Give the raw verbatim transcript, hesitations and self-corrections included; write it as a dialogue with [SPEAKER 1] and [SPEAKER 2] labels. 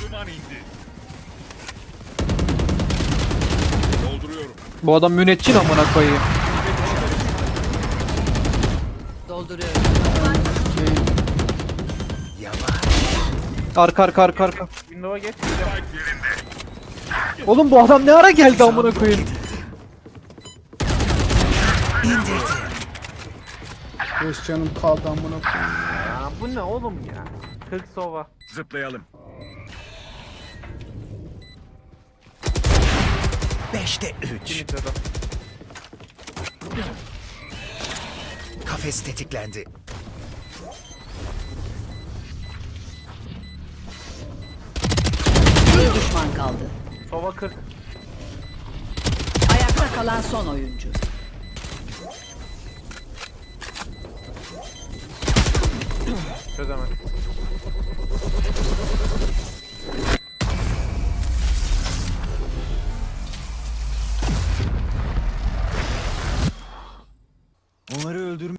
[SPEAKER 1] Duman indi. Dolduruyorum.
[SPEAKER 2] Bu adam müneccin amına koyayım.
[SPEAKER 3] Dolduruyorum.
[SPEAKER 2] Arka arka arka arka.
[SPEAKER 4] Windows'a geç.
[SPEAKER 1] Spike yerinde.
[SPEAKER 2] Oğlum bu adam ne ara geldi amına koyayım.
[SPEAKER 5] Beş canım kaldı amına koyayım.
[SPEAKER 4] Ya bu ne oğlum ya? kırk sova.
[SPEAKER 1] Zıplayalım.
[SPEAKER 6] Beşte üç.
[SPEAKER 4] Dimitro'da.
[SPEAKER 6] Kafes tetiklendi.
[SPEAKER 3] Bir düşman kaldı.
[SPEAKER 4] Sova kırk.
[SPEAKER 3] Ayakta kalan son oyuncu.
[SPEAKER 4] Çözemez.
[SPEAKER 6] Onları öldürme.